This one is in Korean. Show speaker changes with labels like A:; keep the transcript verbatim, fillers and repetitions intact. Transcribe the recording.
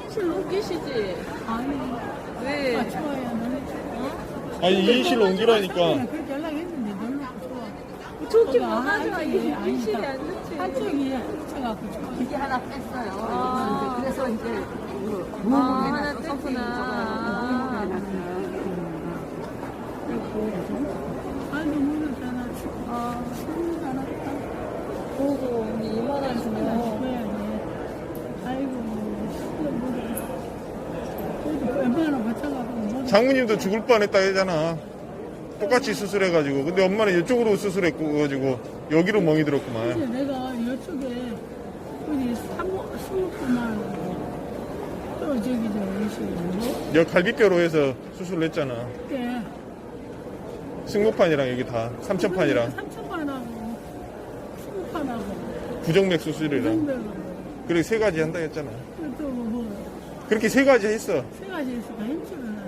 A: 이인실 옮기시지?
B: 아니,
A: 왜?
B: 아, 좋아요. 너무
C: 아니 이인실로
B: 좋아.
C: 옮기라니까.
B: 그렇게 연락했는데 너무 좋아.
A: 좋긴
B: 아,
A: 뭐하죠?
B: 한쪽이
A: 이인실이
B: 아니다.
A: 안 좋지.
B: 한쪽이 합쳐갖고 좋아.
D: 기계 하나 뺐어요.
A: 아.
D: 그래서 이제
A: 아, 하나 뺐구나.
B: 아, 너무 잘하나.
A: 아,
B: 너무 잘했다.
A: 보고 우리 이만 원 주면.
B: 줘야지. 아이고, 그래도 웬만하면 맞춰가고. 뭐
C: 장모님도 죽을 뻔했다 했잖아. 똑같이 수술해가지고. 근데 엄마는 이쪽으로 수술했고 가지고 여기로 멍이 들었구만.
B: 이제 내가 이쪽에 우리 사무, 수목구만 또 저기 저 이시고
C: 여 갈비뼈로 해서 수술을 했잖아.
B: 그때
C: 승모판이랑 여기 다 삼천판이랑
B: 삼천판하고 수목판하고
C: 부정맥 수술이랑
B: 정맥하고
C: 그렇게 세 가지 한다 했잖아.
B: 또뭐
C: 그렇게 세 가지 했어.
B: 세 가지 있으니까 힘줄을